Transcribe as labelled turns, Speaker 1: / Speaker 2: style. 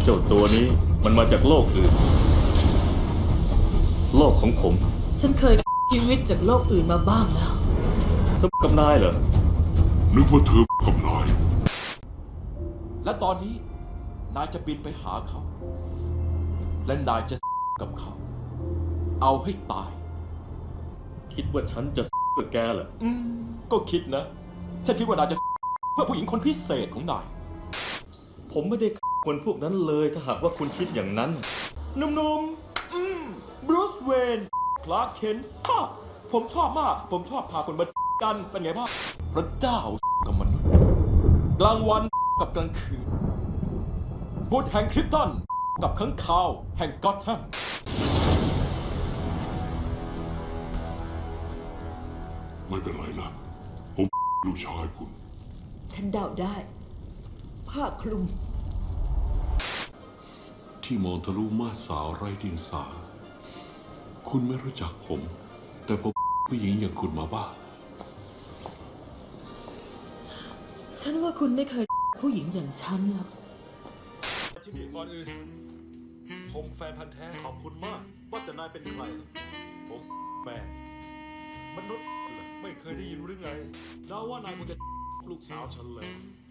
Speaker 1: เจ้าตัวนี้มันมาจากโลกอื่น โลกของผม
Speaker 2: ฉันเคยชีวิตจากโลกอื่นมาบ้างแล้ว
Speaker 1: เธอกับนายเหรอ
Speaker 3: นึกว่าเธอกับนาย
Speaker 4: และตอนนี้นายจะบินไปหาเขา และนายจะกับเขา เอาให้ตาย
Speaker 1: คิดว่าฉันจะเพื่อแกเหรอ
Speaker 4: ก็คิดนะ ฉันคิดว่านายจะเพื่อผู้หญิงคนพิเศษของนาย
Speaker 1: ผมไม่ได้คนพวกนั้นเลยถ้าหากว่าคุณคิดอย่างนั้น
Speaker 4: หนุ่มๆบรูซเวนคลาร์กเคนฮ่าผมชอบมาก ผมชอบพาคนมากันเป็นไงบ้างพระเจ้ากับมนุษย์กลางวันกับกลางคืนบุตรแห่งคริปตันกับข้างคาวแห่งก็อตแฮม
Speaker 3: ไม่เป็นไรนะ ผมลูกชายคุณ
Speaker 2: ฉันเดาได้ ผ้าคลุม
Speaker 3: ที่มองทะลุมาดสาวไร้เดียงสา คุณไม่รู้จักผม แต่ผมผู้หญิงอย่างคุณมาบ้าง
Speaker 2: ฉันว่าคุณไม่เคยผู้หญิงอย่างฉันหรอก
Speaker 5: ที่นี่ก่อนอื่นผมแฟนพันธ์แท้ขอบคุณมาก ว่าแต่นายเป็นใคร ผมแมนมนุษย์เหรอไม่เคยได้ยินหรือไงเดาว่านายคงจะลูกสาวฉันเลย